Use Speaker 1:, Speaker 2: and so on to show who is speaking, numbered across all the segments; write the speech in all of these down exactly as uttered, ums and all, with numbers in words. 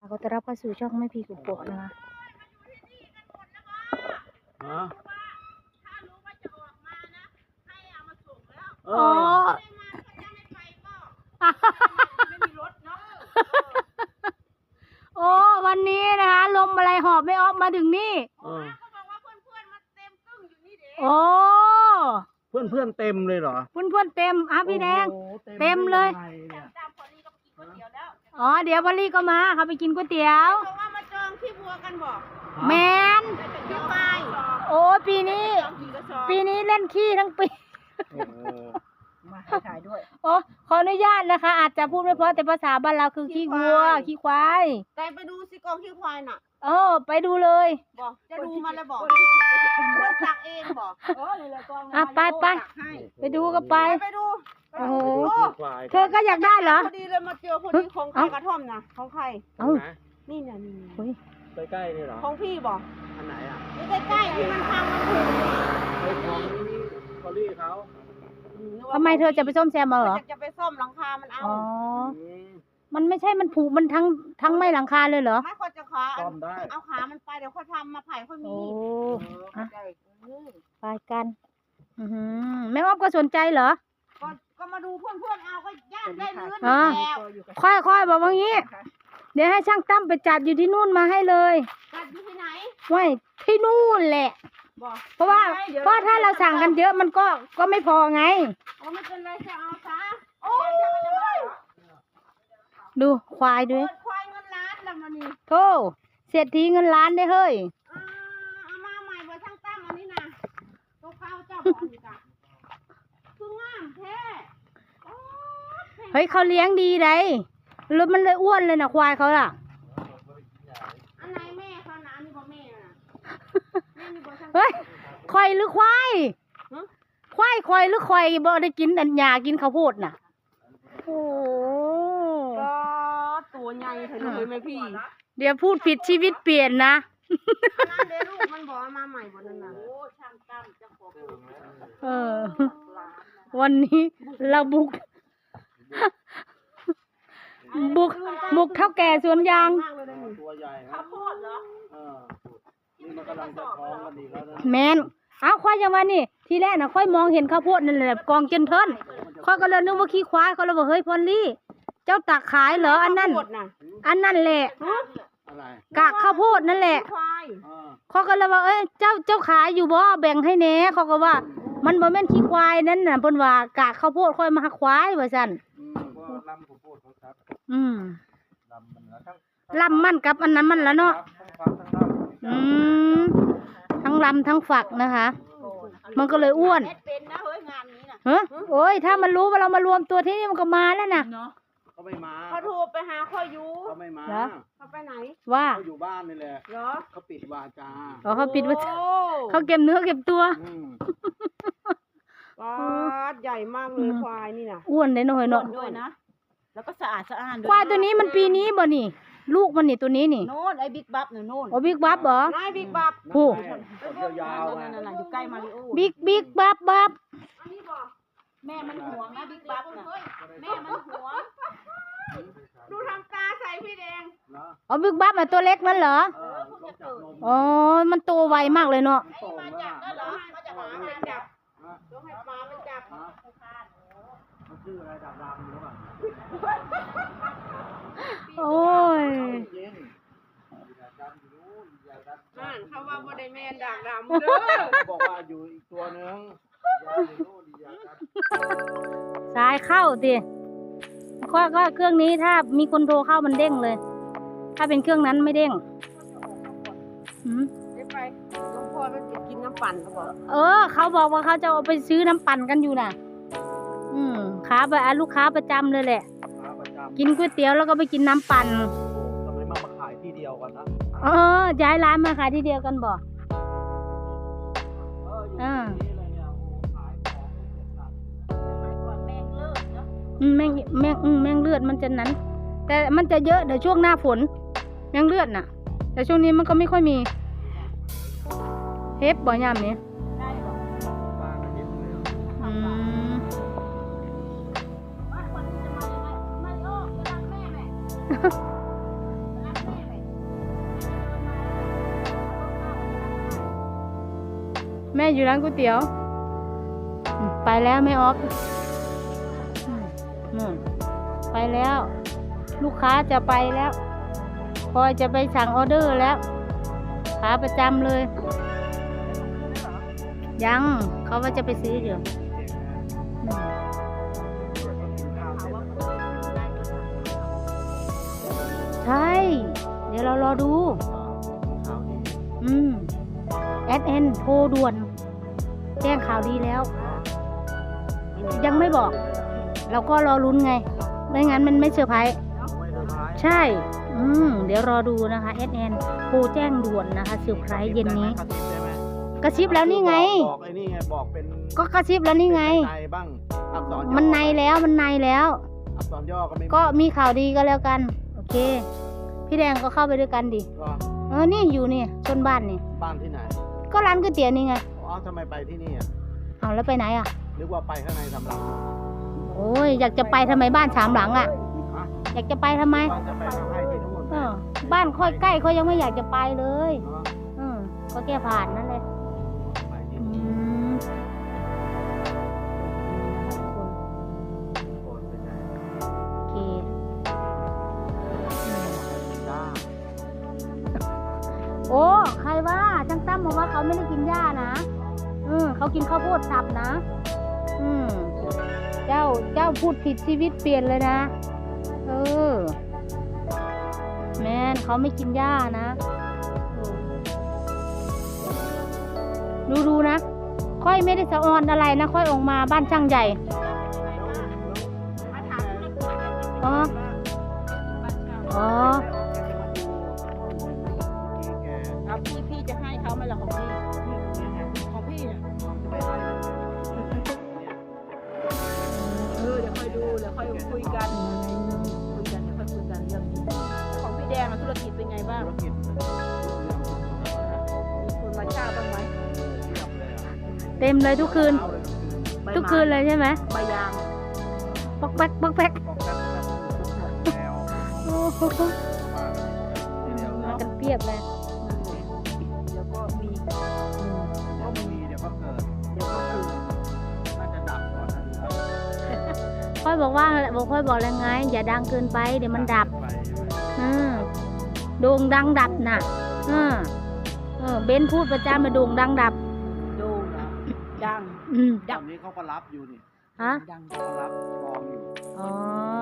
Speaker 1: ขอต้อนรับเข้าสู่ช่องแม่พีกุ๊กโกะนะคะ
Speaker 2: ฮะ
Speaker 1: อ๋อโอ้วันนี้นะคะลมอะไรหอบไม่ออกมาถึงนี่โอ้
Speaker 2: เพื่อนเพื่อนเต็มเลยเหรอ
Speaker 1: เพื่อนเพื่อนเต็มอ่ะพี่แดงเต็มเลยอ๋อเดี๋ยวพอลลี่ก็มาเขาไปกินก๋วยเตี๋ยว
Speaker 3: เพราะว่ามาจองที่บัวกันบอก
Speaker 1: แมน
Speaker 3: ที่ไป
Speaker 1: โอ้ปีนี้ปีนี้เล่นขี้ทั้งปี
Speaker 3: มาถ่ายด้วย
Speaker 1: โอ้ขออนุญาตนะคะอาจจะพูดไม่เพราะแต่ภาษาบ้านเราคือขี้วัวขี้ควาย
Speaker 3: แต่ไปดูสิกองขี้ควายน่ะ
Speaker 1: เออไปดูเลย
Speaker 3: บอกจะดูมาแล้วบอกคนตักเองบอกเออเลยกอง
Speaker 1: อ่ะไปไปไปดูก็ไป
Speaker 3: ไปดู
Speaker 1: โอ้โหเธอก็อยากได้เหรอ
Speaker 3: พอดีเลยมาเจอคนนี้ของใครกระท่อมนะของใคร
Speaker 1: เอ้า
Speaker 3: นี่เนี่ยนี่
Speaker 2: ใกล้ๆนี่เหรอ
Speaker 3: ของพี่บอก
Speaker 2: อันไหนอ่ะ
Speaker 3: นี่ใกล้ๆที่มันพังมันถูก
Speaker 2: ไอ้ของนี่คอรี่เขา
Speaker 1: ทำไมเธอจะไปซ่อมแซมมาเหรอ
Speaker 3: จะไปซ่อมหลังคามันเอา
Speaker 1: อ๋อมันไม่ใช่มันผุมันทั้งทั้งไม่หลังคาเลยเหรอ
Speaker 3: ไม่ควรจะขาเอาขามันไปเดี๋ยวเขาทำมาไผ่ค่อยมี
Speaker 1: โอ้ไปกันแม่อ้อมก็สนใจเหรอ
Speaker 3: ก็ก็มาดูเพื่อนเพื่อนเอาก็ย่างได้เนื้อ
Speaker 1: แล้วค่อยๆบอกว่างี้เดี๋ยวให้ช่างตั้มไปจัดอยู่ที่นู่นมาให้เลย
Speaker 3: จัดอยู่ที่ไหน
Speaker 1: ไว้ที่นู่นแหละเพราะว่าเพราะถ้าเราสั่งกันเยอะมันก็ก็ไม่พอไง
Speaker 3: โอ้ไม่เป็นไรจะเอาซะโอ้
Speaker 1: ยดูควายด้วย
Speaker 3: ควายเงินล้านละมันนี่
Speaker 1: โธ่เศรษฐีเงินล้านได้เฮ้ย
Speaker 3: เอามาใหม่เบอร์ช่างตั้มอันนี้นะตัวข้าวเจ้าบอกอีกอ่ะคืองามแท้
Speaker 1: เฮ้ยเขาเลี้ยงดีไดรถมันเลยอ้วนเลยนะควายเขาล่ะ
Speaker 3: อันไหนแม่เขานะอันนี้บ่แม่น่ะ
Speaker 1: เฮ้ยควายหรือควายควายควายหรือควายบ่ได้กินอันหญ้ากินข้าวโพดน่ะโอ้
Speaker 3: ก็ตัวใหญ่เถอะเลยแม่พี่
Speaker 1: เดี๋ยวพูดผิดชีวิตเปลี่ยนนะ
Speaker 3: นั่นเดี๋ยวลูกมันบอกมาใหม่บ่นั่นน่ะโอ้ช่างตั้มเจ้าของ
Speaker 1: เออวันนี้เราบุกบุกบุกเท่าแก่สวนยาง
Speaker 2: ตัวใหญ่
Speaker 3: ข้าวโพดเหรอ
Speaker 2: เออนี่มันกำลังจะท้องกันดีแล้ว
Speaker 1: นะแมนเอาค่อยยังว่านี่ทีแรกนะค่อยมองเห็นข้าวโพดนั่นแหละกองเจนเทินค่อยก็เลยนึกว่าขี้ควายเขาเลยบอกเฮ้ยพอลลี่เจ้าตักขายเหรออันนั้นอันนั่นแหละกากข้าวโพดนั่นแหละเขาก็เลยว่าเอ้ยเจ้าเจ้าขายอยู่บ่แบ่งให้แน่เขาก็ว่ามันบ่แม่นขี้ควายนั่นน่ะเพิ่นว่ากากข้าวโพดค่อยมาควายว่าซั่นอืมลำมันกับอันนั้นมันแล้วเนาะอืมทั้งลำทั้งฝักนะคะมันก็เลยอ้วนเฮ้ยโอ้ยถ้ามันรู้ว่าเรามารวมตัวที่นี่มันก็มาแล้วนะ
Speaker 2: เขาไม่มา
Speaker 3: เขาโทรไปหาข้อยู
Speaker 2: เขาไม่มา
Speaker 3: เขาไปไหน
Speaker 1: ว่า
Speaker 2: เขาอยู่บ้านนี่แหละ
Speaker 3: เหรอ
Speaker 2: เขาปิดวาจา
Speaker 1: อ๋อเขาปิดวาจาเขาเก็บเนื้อเก็บตัว
Speaker 3: ว้าใหญ่มากเลยควายนี่นะ
Speaker 1: อ้วนเลยหน่อยเนาะ
Speaker 3: ด้วยนะแล้วก็สะอาดสะอ้าน
Speaker 1: ควายตัวนี้มันปีนี้บ่นี่ลูกมันนี่ตัวนี้นี่
Speaker 3: โน่นไอ้บิ๊กบัฟเนี่ยโน่น
Speaker 1: โอ้บิ๊กบัฟเหรอ
Speaker 3: ไอ้บิ๊กบัฟ
Speaker 1: ผู้
Speaker 2: ยาวๆ
Speaker 3: นั่นน่ะอยู่ใกล้มาริโอ
Speaker 1: บิ๊กบิ๊กบัฟบัฟ
Speaker 3: แม่มันห่วงนะบิ๊กบัฟน่ะแม่มันห่วงดูทำตาใส่พี่แดง
Speaker 1: อ๋อบิ๊กบัฟอ่ะตัวเล็กนั่นเหรออ๋อมันโตไวมากเลยเนาะ
Speaker 3: มาจับก็เหรอมาจับหมามาจับต้องให้ปลามันจับ
Speaker 2: มันชื่ออะไรดำๆหรือเปล่า
Speaker 1: โอ้ย
Speaker 3: นั่นเขาว่าบ่ได้แม่นด่างดำเด้อ
Speaker 2: บอกว่าอยู่อีกตัวนึง
Speaker 1: สายเข้าสิก็ก็เครื่องนี้ถ้ามีคนโทรเข้ามันเด้งเลยถ้าเป็นเครื่องนั้นไม่เด้ง
Speaker 3: อืมไปหลวงพ่อมันจะกินน้ำปั่นเขาบอก
Speaker 1: เออเขาบอกว่าเขาจะเอาไปซื้อน้ำปั่นกันอยู่น่ะอืมขาไปลูกค้าประจำเลยแหละกินก๋วยเตี๋ยวแล้วก็ไปกินน้ำปั่น
Speaker 2: ทำไมมาขายที่เดียวกันนะ
Speaker 1: เออย้ายร้านมาขายที่เดียวกันบ่อ่าแมงแมงแมงเลือดมันจะนั้นแต่มันจะเยอะเดี๋ยวช่วงหน้าฝนแมงเลือดน่ะแต่ช่วงนี้มันก็ไม่ค่อยมีเฮฟบ่อยามนี้อืมแม่อยู่ร้านก๋วยเตี๋ยวอืมไปแล้วแม่ออฟอืมนู่นไปแล้ว ลูกค้าจะไปแล้วพลอยจะไปสั่งออเดอร์แล้วขาประจำเลย ยังเขาว่าจะไปซื้ออยู่อืมใช่ เดี๋ยวเรารอดู อืมแอดเอ็นโทรด่วน แจ้งข่าวดีแล้ว ยังไม่บอก เราก็รอลุ้นไง ไม่งั้นมันไม่เซอร์ไพรส์ใช่ อืมเดี๋ยวรอดูนะคะแอดเอ็นโทรแจ้งด่วนนะคะเซอร์ไพรส์เย็นนี้ กระซิบแล้วนี่ไง
Speaker 2: บอกไอ้นี่ไงบอกเป็น
Speaker 1: ก็กระซิบแล้วนี่ไง
Speaker 2: ในบ้างอักษรย่อ
Speaker 1: มันในแล้วมันในแล้ว
Speaker 2: อักษรย่อก็ไม่
Speaker 1: ก็มีข่าวดีก็แล้วกัน โอเค พี่แดงก็เข้าไปด้วยกันดิ
Speaker 2: ก็
Speaker 1: เออนี่อยู่นี่ชนบ้านนี่
Speaker 2: บ้านที่ไหน
Speaker 1: ก็ร้านก๋วยเตี๋ยวนี่ไง
Speaker 2: อ๋อทำไมไปที่นี่อ่ะ
Speaker 1: เอาแล้วไปไหนอ่ะ
Speaker 2: นึกว่าไปข้างในสำหรับ
Speaker 1: โอ้ยอยากจะไปทำไมบ้านสามหลังอ่ะ
Speaker 2: ฮะ
Speaker 1: อยากจะไปทำไม
Speaker 2: ว่าจะไปทำให้ที่นู่น
Speaker 1: เออบ้านค่อยใกล้เขายังไม่อยากจะไปเลย
Speaker 2: เนาะ
Speaker 1: เออก็แค่ผ่านนั่นเลย
Speaker 2: ไปที่
Speaker 1: อื
Speaker 2: นู่น
Speaker 1: ม
Speaker 2: โอนไปไหน
Speaker 1: โอเคอืม
Speaker 2: จ้า
Speaker 1: โอ้ใครว่าช่างตั้มบอกว่าเขาไม่ได้กินหญ้านะอืมเขากินข้าวโพดสับนะ อืมเจ้าเจ้าพูดผิดชีวิตเปลี่ยนเลยนะ เออ แมนเขาไม่กินหญ้านะดูดูนะ ค่อยไม่ได้สะออนอะไรนะ ค่อยออกมาบ้านช่างใหญ่ อ๋อ อ๋อ
Speaker 3: ครับพี่พี่จะให้เขาไหมล่ะของพี่ของพี่เนี่ยเออเดี๋ยวค่อยดูเดี๋ยวค่อยคุยกันคุยกันเดี๋ยวค่อยคุยกันเรื่องนี้ของพี่แดงอะธุรกิจเป็นไงบ้าง
Speaker 2: ธุรกิจ
Speaker 3: มีคนมาเช่าบ้างไหม
Speaker 1: เต็มเลยทุกคืน ทุกคืนเลยใช่ไหม
Speaker 3: ใบยาง
Speaker 1: ป๊อกแป๊กป๊อกแป๊ก
Speaker 2: บอกกันแบบแนว
Speaker 1: โอ้โห
Speaker 2: ทีเดียว
Speaker 1: มากันเปรียบเลย
Speaker 3: เดี๋ยวก็มี
Speaker 1: อืม
Speaker 2: เดี๋ยวมีเดี๋ยวก็เกิด
Speaker 3: เดี๋ยวก็คือ
Speaker 2: น่าจะดับก่อนนะ
Speaker 1: ค่อยบอกว่าบอกค่อยบอกแล้วไง อย่าดังเกินไปเดี๋ยวมันดับ
Speaker 2: ไปใช่ไหม
Speaker 1: อืมโด่งดังดับน่ะเออเออเบนพูดประจำมาโด่งดังดับ
Speaker 3: ดูนะดัง
Speaker 1: อืม
Speaker 2: ตอนนี้เขาก็รับอยู่นี่
Speaker 1: ฮะ
Speaker 3: ดัง
Speaker 2: เขาก็รับกองอยู่
Speaker 1: อ๋อ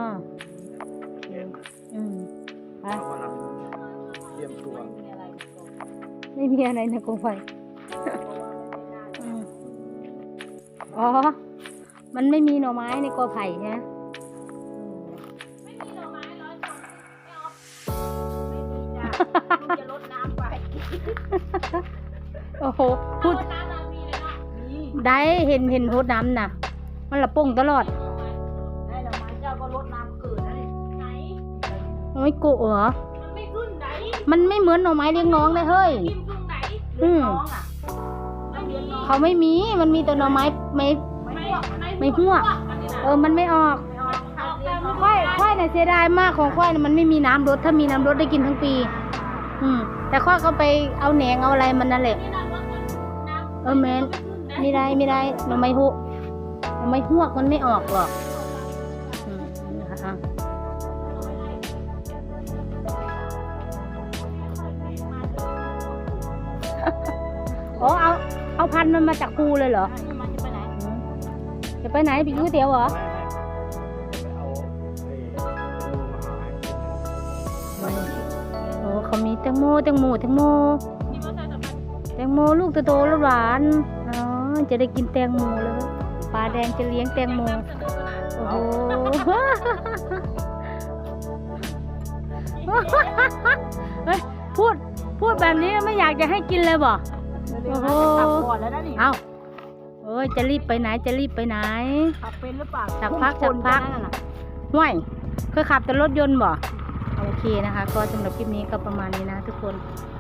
Speaker 1: อืมไป
Speaker 2: เขากำลังเตรียมตัว
Speaker 3: มีอะไรในกรง
Speaker 1: ไม่มีอะไรในกองไฟอืมอ๋อ มันไม่มีหน่อไม้ในกอไผ่ใช่ไหม
Speaker 3: ไม่มีหน่อไม้ร้อยต้นไม่เอาไม่มีจ้ะมึงจะลดน้ำไป
Speaker 1: โอ้โหพูด
Speaker 3: ลดน้ำเรามีเลยเนาะมี
Speaker 1: ได้เห็นเห็นโพดน้ำน่ะ มันละป่งตลอด
Speaker 3: ได้หน่อไม้เจ้าก็ลดน้ำเกิดนะนี่ไหน
Speaker 1: ไม่โกะเหรอ
Speaker 3: มันไม่ขึ้นไหน
Speaker 1: มันไม่เหมือนหน่อไม้เลี้ยงน้องเลยเฮ้ย
Speaker 3: กินตรงไหน
Speaker 1: อืม
Speaker 3: น้องอ่ะไม่มี
Speaker 1: เขาไม่มี มันมีแต่หน่อไม้ไม่
Speaker 3: ไม่
Speaker 1: ไม่หัว
Speaker 3: อันนี้นะ
Speaker 1: เออ มันไม่ออก
Speaker 3: ไม่ออกเอาเรียนน้อง
Speaker 1: ค่อยค่อยน่ะเสียดายมากของค่อยน่ะมันไม่มีน้ำรดถ้ามีน้ำรดได้กินทั้งปี อืม แต่ค่อยก็ไปเอาแหนงเอาอะไรมันนั่นแหละ
Speaker 3: นี่นะลดน้ำ
Speaker 1: เออแมนไม่ได้ไม่ได้หน่อไม้หุหน่อไม้หวกมันไม่ออกหรอกอืมนะคะอ๋อเอาเอาพันธุ์มันมาจากภูเลยเหรอ
Speaker 3: มันจะไปไหน
Speaker 1: อืมจะไปไหนไปกินก๋วยเตี๋ยวเหรอ
Speaker 2: ไม่ไม่จะไปเอาไอ้รูมาหา
Speaker 1: โอ้เขามีแตงโมแตงโมแตงโม
Speaker 3: มีมอเตอร์ไซค์สำคัญ
Speaker 1: แตงโมลูกโตๆแล้วหวานอ๋อจะได้กินแตงโมแล้วปลาแดงจะเลี้ยงแตงโมโอ้โห เฮ้ยพูดพูดแบบนี้ไม่อยากจะให้กินเลยบ่ โอ้โห
Speaker 3: ขับก่อนแล้วนะนี่
Speaker 1: เอาเอ้ยจะรีบไปไหนจะรีบไปไหน
Speaker 3: ขับเป็นหรือเปล่า
Speaker 1: สักพักสักพัก
Speaker 3: พุ่งชนนั่นน่ะ
Speaker 1: ห่วยเคยขับแต่รถยนต์บ่โอเคนะคะ ก็สำหรับคลิปนี้ก็ประมาณนี้นะทุกคน
Speaker 3: ค